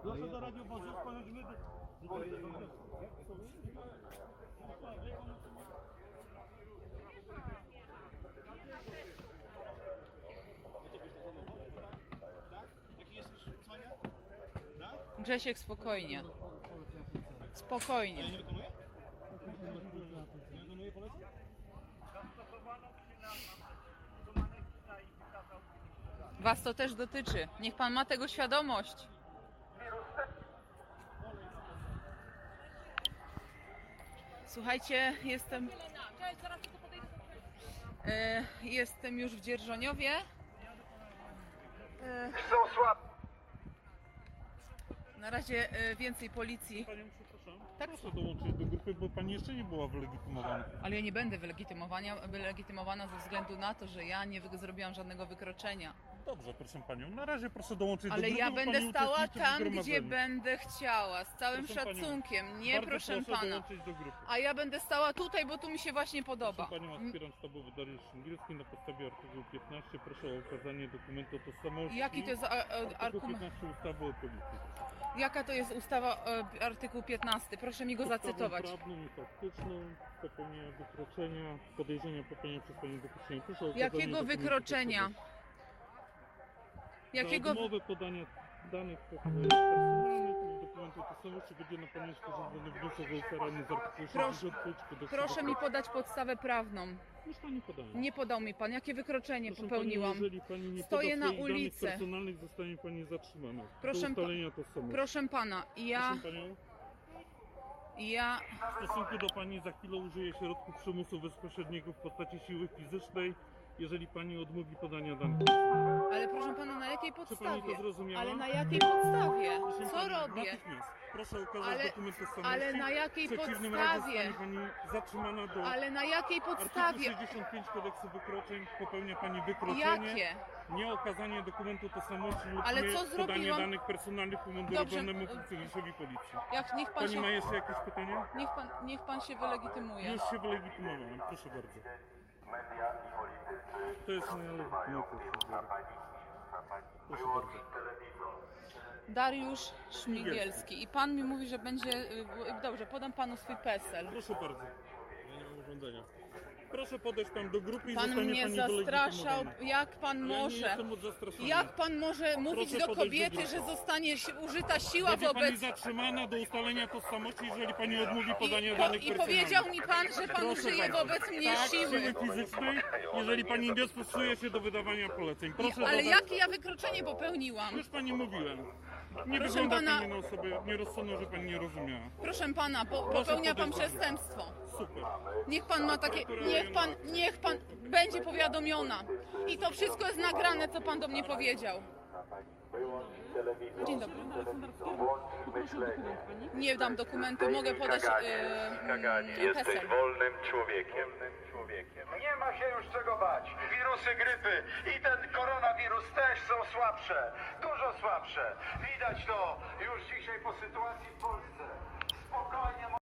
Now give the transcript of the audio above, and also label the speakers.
Speaker 1: Proszę do radiowozu, pojedziemy do...
Speaker 2: Grzesiek, spokojnie. Spokojnie.
Speaker 1: Nie wykonuje? Nie wykonuje poleceń?
Speaker 2: Was to też dotyczy. Niech pan ma tego świadomość. Słuchajcie, jestem już w Dzierżoniowie. Na razie więcej policji.
Speaker 1: Panią przepraszam.
Speaker 2: Tak.
Speaker 1: Proszę dołączyć do grupy, bo pani jeszcze nie była wylegitymowana.
Speaker 2: Ale ja nie będę wylegitymowana ze względu na to, że ja nie zrobiłam żadnego wykroczenia.
Speaker 1: Dobrze, proszę panią. Na razie proszę dołączyć
Speaker 2: Ale
Speaker 1: do grupy.
Speaker 2: ja
Speaker 1: bo
Speaker 2: będę
Speaker 1: pani
Speaker 2: stała
Speaker 1: uczestniczy w
Speaker 2: tam, gdzie
Speaker 1: zgromadzeniu.
Speaker 2: będę chciała, z całym
Speaker 1: Proszę panią,
Speaker 2: szacunkiem. Nie,
Speaker 1: Bardzo
Speaker 2: proszę
Speaker 1: proszę
Speaker 2: pana.
Speaker 1: dołączyć do grupy.
Speaker 2: A ja będę stała tutaj, bo tu mi się właśnie podoba.
Speaker 1: Proszę panią, aspirant sztabowy Dariusz Szymgielski, na podstawie artykułu 15 proszę o okazanie dokumentu tożsamości.
Speaker 2: Jaki to jest
Speaker 1: Artykuł
Speaker 2: argument?
Speaker 1: 15 ustawy o policji.
Speaker 2: Jaka to jest ustawa, artykuł 15? Proszę mi go zacytować.
Speaker 1: Podstawą prawną i faktyczną popełnienia wykroczenia, podejrzenia popełnienia przez panią wykroczenia. Proszę o okazanie
Speaker 2: Jakiego
Speaker 1: dokumentu
Speaker 2: wykroczenia?
Speaker 1: tożsamości.
Speaker 2: Jakiego...
Speaker 1: Za odmowę podania danych personalnych i dokumentu tożsamości będzie na pani sporządzony wniosek o ukaranie z artykułu 65 kodeksu.
Speaker 2: Proszę mi podać podstawę prawną.
Speaker 1: Już pani podała.
Speaker 2: Nie podał mi pan. Jakie wykroczenie
Speaker 1: Proszę
Speaker 2: popełniłam?
Speaker 1: Pani, jeżeli pani nie
Speaker 2: Stoję
Speaker 1: poda
Speaker 2: na
Speaker 1: swoich danych
Speaker 2: ulicy.
Speaker 1: personalnych, zostanie pani zatrzymana.
Speaker 2: Proszę
Speaker 1: Do ustalenia tożsamości.
Speaker 2: Proszę pana,
Speaker 1: Proszę panią,
Speaker 2: ja...
Speaker 1: w stosunku do pani za chwilę użyję środków przymusu bezpośredniego w postaci siły fizycznej, jeżeli pani odmówi podania danych.
Speaker 2: Ale proszę pana, na jakiej
Speaker 1: Czy pani
Speaker 2: podstawie?
Speaker 1: to zrozumiała?
Speaker 2: Ale na jakiej podstawie?
Speaker 1: Proszę
Speaker 2: Co
Speaker 1: pani,
Speaker 2: robię?
Speaker 1: natychmiast proszę okazać
Speaker 2: Ale-
Speaker 1: dokument tożsamości.
Speaker 2: ale na jakiej
Speaker 1: W przeciwnym razie
Speaker 2: podstawie?
Speaker 1: zostanie pani zatrzymana do
Speaker 2: Ale na jakiej
Speaker 1: artykułu
Speaker 2: podstawie?
Speaker 1: 65 kodeksu wykroczeń. Popełnia pani wykroczenie.
Speaker 2: Jakie?
Speaker 1: Nieokazanie dokumentu tożsamości lub
Speaker 2: Ale co
Speaker 1: nie podanie
Speaker 2: zrobiłam?
Speaker 1: danych personalnych umundurowanemu funkcjonariuszowi policji.
Speaker 2: Niech pan
Speaker 1: Pani
Speaker 2: się...
Speaker 1: ma jeszcze jakieś pytania?
Speaker 2: Niech pan się wylegitymuje.
Speaker 1: Już się wylegitymowałem, proszę bardzo. To jest moja legitymacja. Proszę bardzo.
Speaker 2: Dariusz Szmigielski. I pan mi mówi, że będzie... Dobrze, podam panu swój PESEL.
Speaker 1: Proszę bardzo. Ja nie mam urządzenia. Proszę podejść tam do grupy i
Speaker 2: Pan
Speaker 1: zostanie
Speaker 2: mnie
Speaker 1: pani
Speaker 2: zastraszał.
Speaker 1: wylegitymowana.
Speaker 2: Jak pan
Speaker 1: Ja nie
Speaker 2: może...
Speaker 1: jestem od zastraszania.
Speaker 2: Jak pan może mówić
Speaker 1: Proszę
Speaker 2: do
Speaker 1: podejść do
Speaker 2: kobiety,
Speaker 1: grupy.
Speaker 2: że zostanie użyta siła
Speaker 1: Będzie pani
Speaker 2: wobec...
Speaker 1: zatrzymana do ustalenia tożsamości, jeżeli pani odmówi podania danych
Speaker 2: I
Speaker 1: personalnych.
Speaker 2: powiedział mi pan, że pan
Speaker 1: Proszę
Speaker 2: użyje
Speaker 1: bardzo.
Speaker 2: wobec mnie
Speaker 1: Tak,
Speaker 2: siły.
Speaker 1: siły fizycznej, jeżeli pani nie stosuje się do wydawania poleceń. Proszę
Speaker 2: Ale
Speaker 1: dodać-
Speaker 2: jakie ja wykroczenie popełniłam?
Speaker 1: Już pani mówiłem. Nie
Speaker 2: Proszę
Speaker 1: wygląda
Speaker 2: pana-
Speaker 1: pani na osobę nierozsądną, że pani nie rozumiała.
Speaker 2: Proszę pana, popełnia pan
Speaker 1: podejść do mnie.
Speaker 2: przestępstwo.
Speaker 1: Super.
Speaker 2: Niech pan ma takie... Niech pan będzie powiadomiona. I to wszystko jest nagrane, co pan do mnie powiedział. Dzień dobry. Nie dam dokumentu, mogę podać
Speaker 3: Jesteś
Speaker 2: PESEL.
Speaker 3: wolnym człowiekiem.
Speaker 4: Nie ma się już czego bać. Wirusy grypy i ten koronawirus też są słabsze. Dużo słabsze. Widać to już dzisiaj po sytuacji w Polsce. Spokojnie.